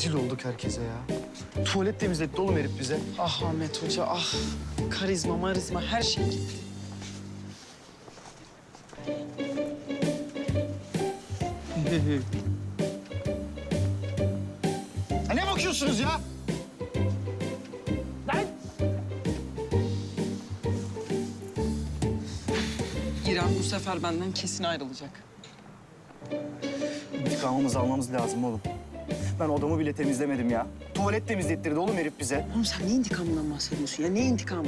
Rezil olduk herkese ya. Tuvalet temizletti oğlum herif bize. Ah Ahmet Hoca, ah. Karizma, marizma, her şey gitti. Ne bakıyorsunuz ya? İrem bu sefer benden kesin ayrılacak. İntikamımızı almamız lazım oğlum. Ben odamı bile temizlemedim ya. Tuvalet temizlettirdi oğlum herif bize. Oğlum sen ne intikamından bahsediyorsun ya? Ne intikamı?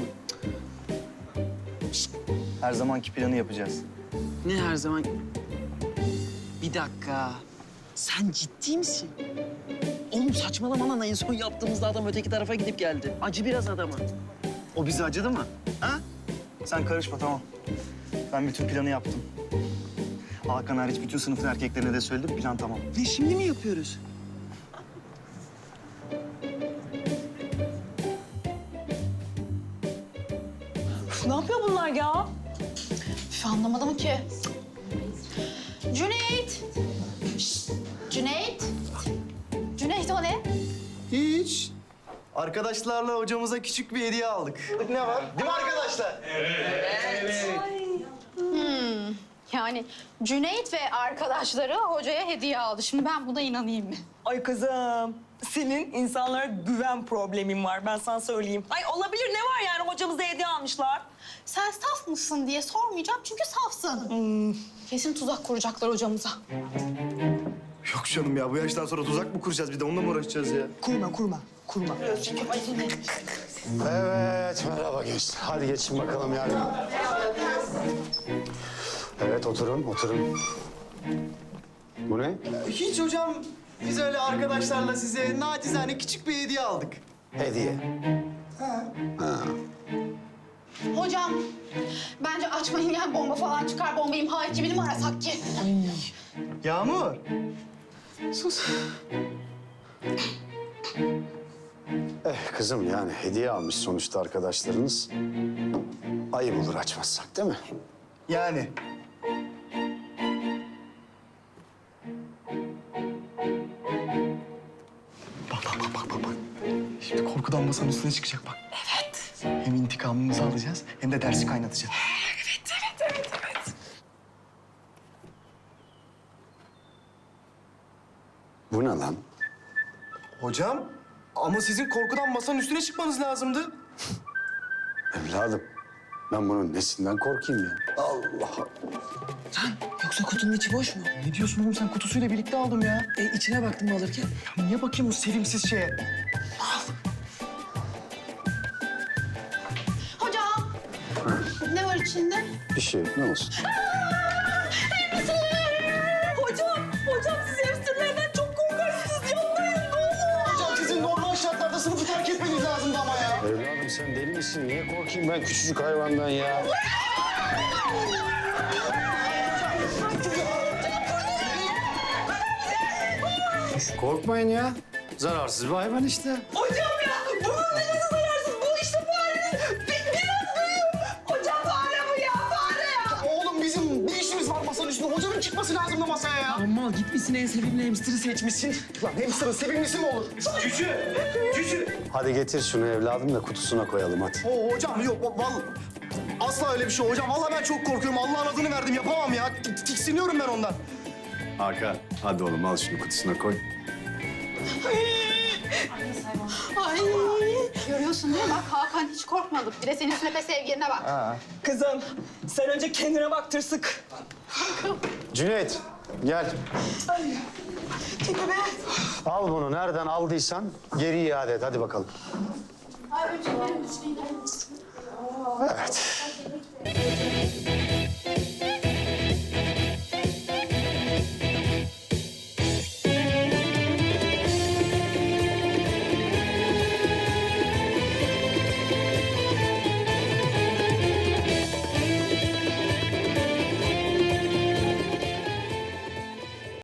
Her zamanki planı yapacağız. Ne her zaman... Bir dakika. Sen ciddi misin? Oğlum saçmalama lan. En son yaptığımızda adam öteki tarafa gidip geldi. Acı biraz adama. O bize acıdı mı? Ha? Sen karışma tamam. Ben bütün planı yaptım. Hakan hariç bütün sınıfın erkeklerine de söyledim. Plan tamam. Ne şimdi mi yapıyoruz? Ne yapıyor bunlar ya? Üf, anlamadım ki. Cüneyt! Şşt, Cüneyt! Cüneyt o ne? Hiç. Arkadaşlarla hocamıza küçük bir hediye aldık. Ne var? Değil mi arkadaşlar? Yani Cüneyt ve arkadaşları hocaya hediye aldı. Şimdi ben buna inanayım mı? Ay kızım, senin insanlara güven problemin var. Ben sana söyleyeyim. Ay olabilir, ne var yani? Hocamıza hediye almışlar. Sen saf mısın diye sormayacağım çünkü safsın. Kesin tuzak kuracaklar hocamıza. Yok canım ya bu yaştan sonra tuzak mı kuracağız bir de onunla mı uğraşacağız ya? Kurma. Evet, merhaba gençler. Hadi geçin bakalım yardım. Evet, oturun. Bu ne? Hiç hocam. Biz öyle arkadaşlarla size nacizane küçük bir hediye aldık. Hediye. Hocam, bence açmayın yani bomba falan çıkar. Bomba imha ekibini mi arasak ki? Yağmur. Kızım yani hediye almış sonuçta arkadaşlarınız. Ayıp olur açmazsak değil mi? Yani. Bak. Şimdi korkudan masanın üstüne çıkacak bak. Evet. Hem intikamımızı alacağız hem de dersi kaynatacağız. Bu ne lan? Hocam ama sizin korkudan masanın üstüne çıkmanız lazımdı. Evladım, ben bunun nesinden korkayım ya? Allah Allah. Yoksa kutunun içi boş mu? Ne diyorsun oğlum sen kutusuyla birlikte aldım ya. İçine baktım alırken. Ya niye bakayım o sevimsiz şeye? Hocam, ne var içinde? Bir şey, ne olsun? Hocam siz hamsterlerden çok korkarsınız. Yapmayın ne olur. Hocam sizin normal şartlarda sınıfı terk etmeniz lazımdı ama ya. Evladım sen deli misin? Niye korkayım ben küçücük hayvandan ya? Korkmayın ya. Zararsız bir hayvan işte. Hocam ya, bunun neresi zararsız? Bu işte fareniz. Biraz büyüyor. Hocam fare bu ya, fare ya. Oğlum bizim bir işimiz var masanın üstünde. Hocanın çıkması lazımdı masaya ya. Aman gitmişsin en sevimli hamster'ı seçmişsin. Lan hamsterın sevimlisi mi olur? Hadi getir şunu evladım da kutusuna koyalım hadi. Hocam yok vallahi. Asla öyle bir şey hocam. Vallahi ben çok korkuyorum. Allah'ın adını verdim. Yapamam ya. Tiksiniyorum ben ondan. Hakan hadi oğlum al şunu kutusuna koy. Ay, görüyorsun değil mi? Bak Hakan hiç korkmadı. Bir de senin sünepe sevgiline bak. Kızım, sen önce kendine bak tırsık. Cüneyt gel. Çekil be. Al bunu nereden aldıysan geri iade et hadi bakalım. Ay, ölçeklerim düşüneyim. Evet.